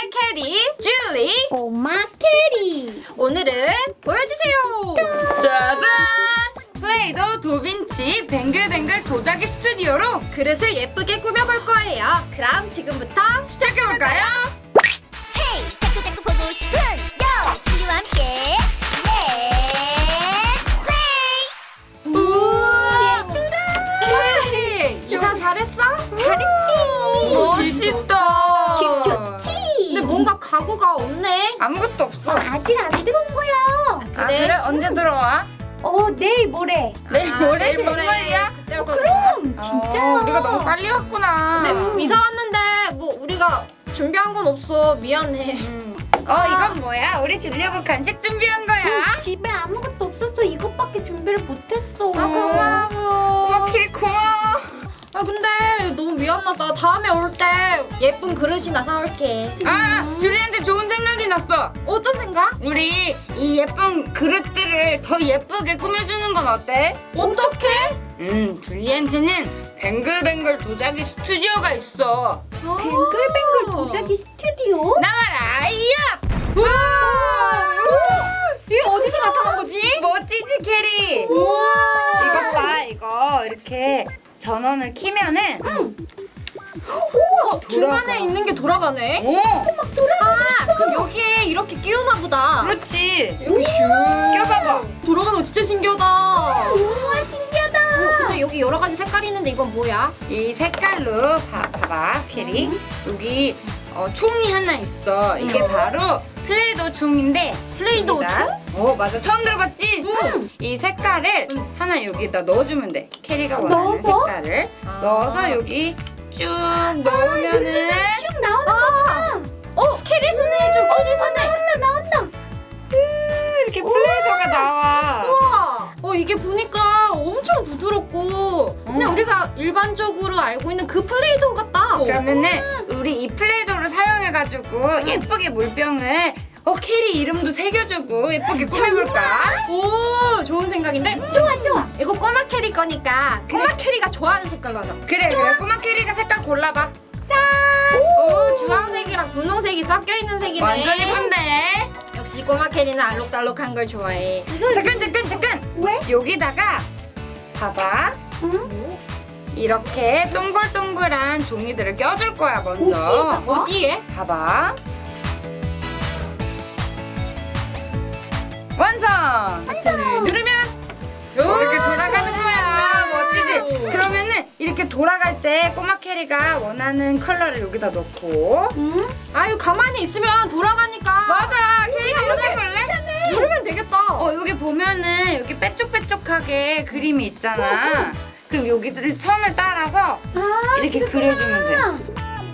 캐리, 줄리, 꼬마 캐리. 오늘은 보여주세요. 짜잔! 플레이도 도빈치 뱅글뱅글 도자기 스튜디오로 그릇을 예쁘게 꾸며볼 거예요. 그럼 지금부터 시작해볼까요? 헤이 자꾸자꾸 보고 싶은 요 친구와 함께 렛츠 플레이. 우와! 캐리! 이사 잘했어? 잘했지. 멋있다. 집 좋지. 근데 뭔가 가구가 없네. 아무것도 없어. 아직 안 들어온 거야. 아, 그래? 언제 들어와? 내일 모레. 내일 모레? 내일 정말이야? 그때 올 거야. 그럼 진짜. 우리가 너무 빨리 왔구나. 근데 이사 왔는데 뭐 우리가 준비한 건 없어. 미안해. 이건 뭐야? 우리 주려고 간식 준비한 거야. 집에 아무것도 없어서 이것밖에 준비를 못했어. 고마워. 키리 고마워. 근데 너무 미안하다. 다음에 올 때 예쁜 그릇이나 사올게. 줄리한테 좋은 생각이 났어. 어떤 생각? 우리 이 예쁜 그릇들을 더 예쁘게 꾸며주는 건 어때? 어떻게? 줄리한테는 뱅글뱅글 도자기 스튜디오가 있어. 뱅글뱅글 도자기 스튜디오? 나와라, 이야! 우와! 이게 어디서 나타난 거지? 멋지지, 캐리? 우와! 이것 봐, 이거 이렇게 전원을 키면은 중간에 돌아가. 있는 게 돌아가네. 그럼 여기에 이렇게 끼우나 보다. 그렇지. 여기 슉 껴봐봐. 돌아가는 거 진짜 신기하다. 우와 신기하다. 근데 여기 여러 가지 색깔이 있는데 이건 뭐야? 이 색깔로 봐봐, 캐리. 여기 총이 하나 있어. 이게 바로 플레이도 총인데. 플레이도우 총? 맞아. 처음 들어봤지? 이 색깔을 하나 여기다 넣어주면 돼. 캐리가 원하는 넣어서? 색깔을 넣어서 여기 쭉 넣으면은 쭉 나오는 거구나. 캐리 손에 해줘. 캐리 손에. 나온다. 이렇게 플레이도가 나와. 우와. 이게 보니까 엄청 부드럽고 그냥 우리가 일반적으로 알고 있는 그 플레이도우 같다. 그러면은 우리 이 플레이도를 사용해가지고 예쁘게 물병을 캐리 이름도 새겨주고 예쁘게 꾸며볼까? 오, 좋은 생각인데? 좋아. 이거 꼬마 캐리 거니까 꼬마 캐리가 좋아하는 색깔로 하자. 그래 꼬마 캐리가 색깔 골라봐. 오, 주황색이랑 분홍색이 섞여 있는 색이네. 완전 예쁜데? 역시 꼬마 캐리는 알록달록한 걸 좋아해. 잠깐 왜? 여기다가 봐봐 이렇게 동글동글한 종이들을 껴줄 거야 먼저. 어디에? 봐봐 완성! 누르면 이렇게 돌아가는 거야. 멋지지? 그러면은 이렇게 돌아갈 때 꼬마 캐리가 원하는 컬러를 여기다 넣고. 아유 가만히 있으면 돌아가니까. 맞아. 캐리가 먼저 해볼래? 누르면 되겠다. 여기 보면은 여기 빼쪽빼쪽하게 그림이 있잖아. 그럼 여기를 선을 따라서 이렇게 그려주면 돼.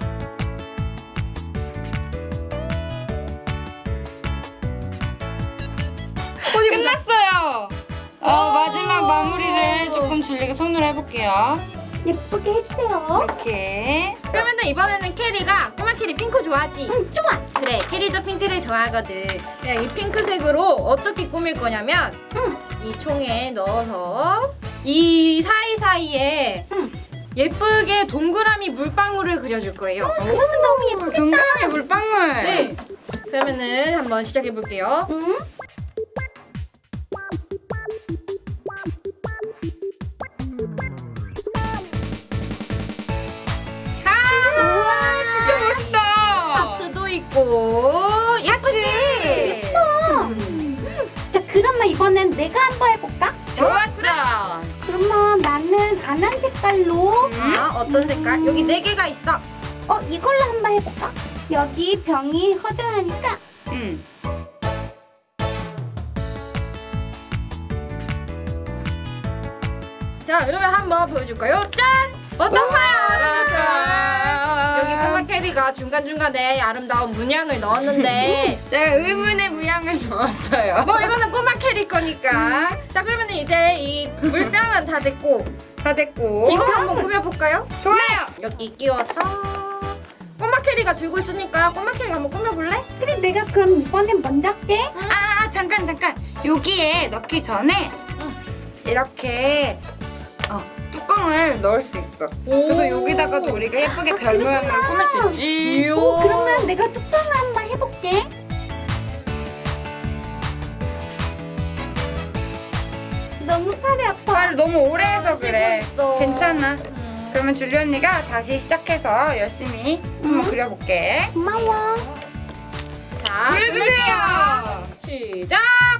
끝났어요. 마지막 마무리를 조금 줄리가 손으로 해볼게요. 예쁘게 해주세요. 이렇게. 그러면은 이번에는 캐리가 꼬마 캐리 핑크 좋아하지? 좋아. 그래, 캐리도 핑크를 좋아하거든. 그냥 이 핑크색으로 어떻게 꾸밀 거냐면 이 총에 넣어서 이 사이사이에 예쁘게 동그라미 물방울을 그려줄 거예요. 그러면 너무 예쁘겠다. 동그라미 물방울. 네. 그러면은 한번 시작해 볼게요. 우와, 진짜 멋있다. 하트도 있고 예쁘지? 자, 그러면 이번엔 내가 한번 해볼까? 좋았어. 그러면 나는 안 한 색깔로 어떤 색깔? 여기 4개가 있어. 이걸로 한번 해볼까? 여기 병이 허전하니까 응. 자, 그러면 한번 보여줄까요? 짠! 어떤가요, 여러분들? 여기 꼬마 캐리가 중간중간에 아름다운 문양을 넣었는데 제가 의문의 모양을 넣었어요. 뭐 이거는 꼬마 캐리 거니까. 자, 그러면 이제 이 물병은 다 됐고 다 됐고. 이거 한번 꾸며볼까요? 좋아요. 여기 끼워서 꼬마 캐리가 들고 있으니까 꼬마 캐리가 한번 꾸며볼래? 그래 내가 그럼 이번엔 먼저 할게. 잠깐. 여기에 넣기 전에 이렇게 뚜껑을 넣을 수 있어. 그래서 여기다가도 우리가 예쁘게 별 모양을 꾸밀 수 있지. 그러면 내가 뚜껑을 한번 해볼게. 너무 팔이 아파. 말을 너무 오래 해서 그래. 쉬고 있어. 괜찮아. 그러면 줄리 언니가 다시 시작해서 열심히 한번 그려볼게. 고마워. 자, 그려주세요. 시작.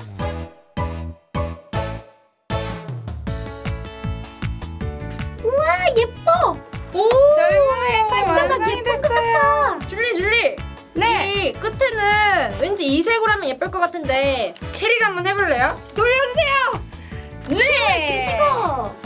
우와 예뻐. 오, 결국에 완성이 됐어요. 줄리. 네. 이 끝에는 왠지 이 색으로 하면 예쁠 것 같은데. 캐리가 한번 해볼래요? 돌려주세요. 네. 이거.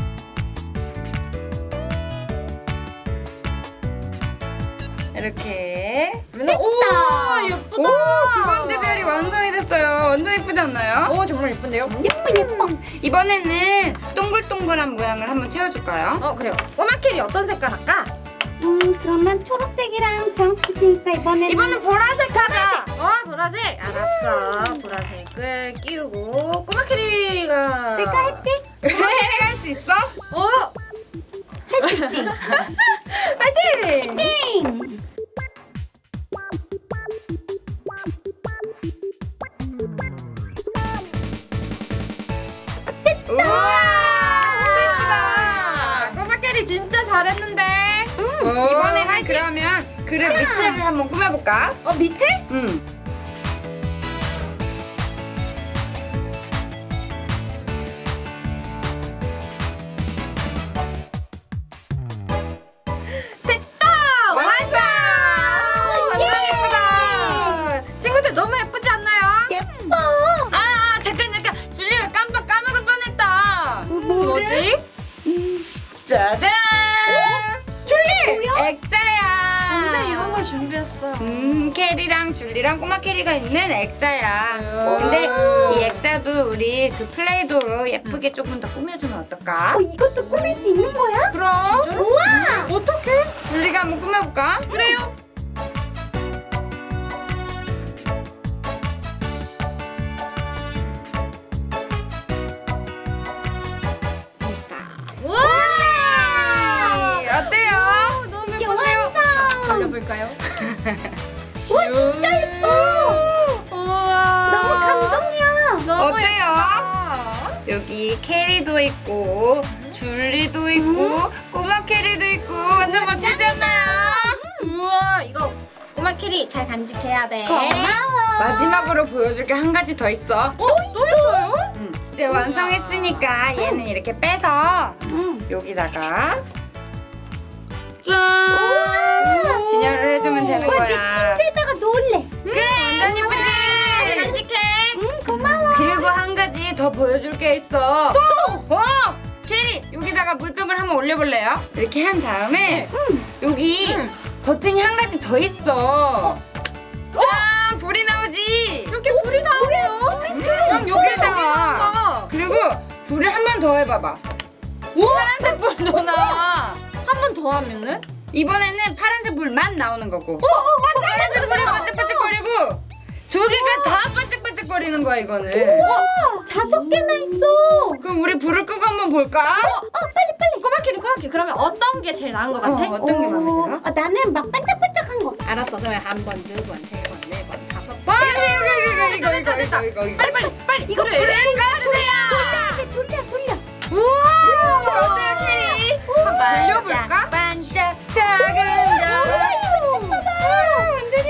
이렇게. 오, 예쁘다. 두 번째 별이 완성이 됐어요. 완전 예쁘지 않나요? 오, 정말 예쁜데요? 예뻐. 이번에는 동글동글한 모양을 한번 채워줄까요? 그래요. 꼬마 캐리 어떤 색깔 할까? 그러면 초록색이랑 주황색 있으니까 이번엔 보라색 하자. 보라색. 알았어. 보라색을 끼우고 꼬마 캐리가 내가 할게. 캐리가 할 수 있어? 할 수 있지. 파이팅! 띵. 우와, 예쁘다. 꼬마 캐리 진짜 잘했는데. 이번에는 그러면 그릇 밑에를 한번 꾸며볼까? 밑에? 응. 완성! 완전 예쁘다. 친구들 너무 예쁘지 않나요? 예뻐. 아, 잠깐. 줄리가 깜빡 까먹을 뻔했다. 뭐지? 짜잔! 줄리! 뭐야? 액자야. 진짜 이런 걸 준비했어. 캐리랑 줄리랑 꼬마 캐리가 있는 액자야. 음. 근데 이 액자도 우리 그 플레이도로 예쁘게 조금 더 꾸며주면 어떨까? 이것도 꾸밀 수 있는 거야? 그럼 우와. 어떡해? 줄리가 한번 꾸며볼까? 그래요. 우와! 어때요? 너무 이게 예쁜데요? 완성. 돌려볼까요? 와 진짜 예뻐. 우와. 너무 감동이야. 너무 어때요? 예쁘다. 여기 캐리도 있고 줄리도 있고 꼬마 캐리도 있고 완전 멋지지 않나요? 우와, 이거 꼬마 캐리 잘 간직해야 돼. 고마워. 마지막으로 보여줄 게 한 가지 더 있어. 또 있어요? 이제 완성했으니까 얘는 이렇게 빼서 여기다가 짠! 진열을 해주면 되는 와, 거야. 내 침대에다가 놓을래. 그래, 완전 예쁘지? 간직해. 고마워. 그리고 한 가지 더 보여줄 게 있어. 또! 캐리, 여기다가 물병을 한번 올려볼래요? 이렇게 한 다음에 여기 버튼이 한 가지 더 있어. 짠! 불이 나오지? 이렇게 불이 나오네요. 그럼 여기다가 그리고 불을 한 번 더 해봐봐. 파란색 불도 나와. 한 번 더 하면은? 이번에는 파란색 불만 나오는 거고. 파란색 불이 반짝반짝거리고 두 개가 다 반짝반짝거리는 거야 이거는. 5개나 있어. 그럼 우리 불을 끄고 한번 볼까? 빨리. 꼬마 캐리. 그러면 어떤 게 제일 나은 것 같아? 어떤 게 마음에 들어? 나는 막 반짝반짝한 거. 알았어. 그러면 한 번, 두 번, 세 번, 네 번, 다섯 번. 이거. 빨리. 이거 불을 꺼주세요. 돌려. 우와! 어때요 캐리? 한번 돌려볼까? 반짝 작은 완전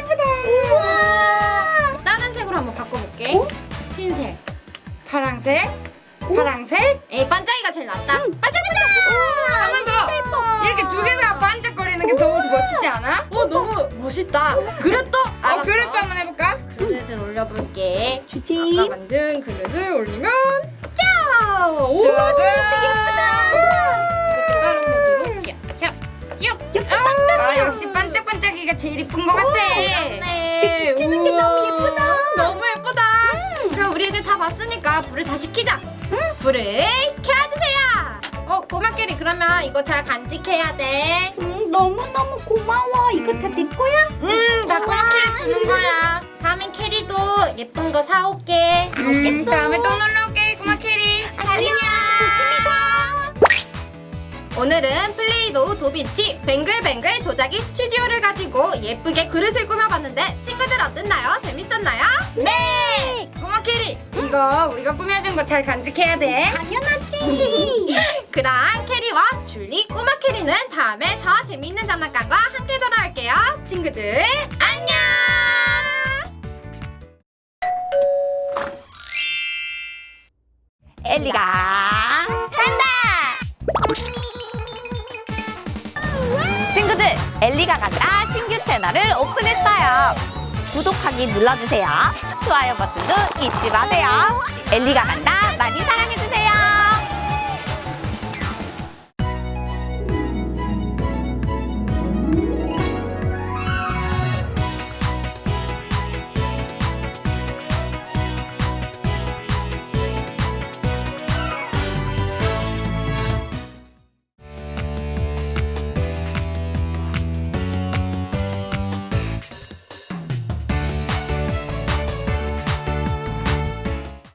예쁘다. 다른 색으로 한번 바꿔볼게. 흰색. 파랑색. 에이, 반짝이가 제일 낫다. 반짝반짝. 한 번 더. 이렇게 두 개가 반짝거리는 게 너무 멋지지 않아? 너무 멋있다. 그릇도. 알았어. 그릇도 한번 해볼까? 그릇을 올려볼게. 주지. 아까 만든 그릇을 올리면 짜! 오! 좋아. 이것도 다른 모드로 역시 반짝이야. 아 역시 반짝반짝이가 제일 이쁜 것 같아. 네. 비치는 게 너무 예쁘다. 너무 예쁘다. 그럼 우리 애들 다 봤으니까 불을 다시 켜자. 불을 켜주세요. 꼬마 캐리 그러면 이거 잘 간직해야 돼. 너무너무 고마워. 이거 다 내 거야? 다 꼬마 캐리 주는 거야. 다음엔 캐리도 예쁜 거 사올게. 다음에 또 놀러 올게 꼬마 캐리. 안녕. 조심히 가. 오늘은 플레이도우 도비치 뱅글뱅글 도자기 스튜디오를 가지고 예쁘게 그릇을 꾸며봤는데 친구들 어땠나요? 재밌었나요? 네! 꼬마 캐리, 이거 우리가 꾸며준 거 잘 간직해야 돼. 당연하지. 그럼 캐리와 줄리 꼬마 캐리는 다음에 더 재미있는 장난감과 함께 돌아올게요. 친구들 안녕. 엘리가 간다. 친구들, 엘리가 간다 신규 채널을 오픈했어요. 구독하기 눌러주세요. 좋아요 버튼도 잊지 마세요. 엘리가 간다 많이 사랑해주세요.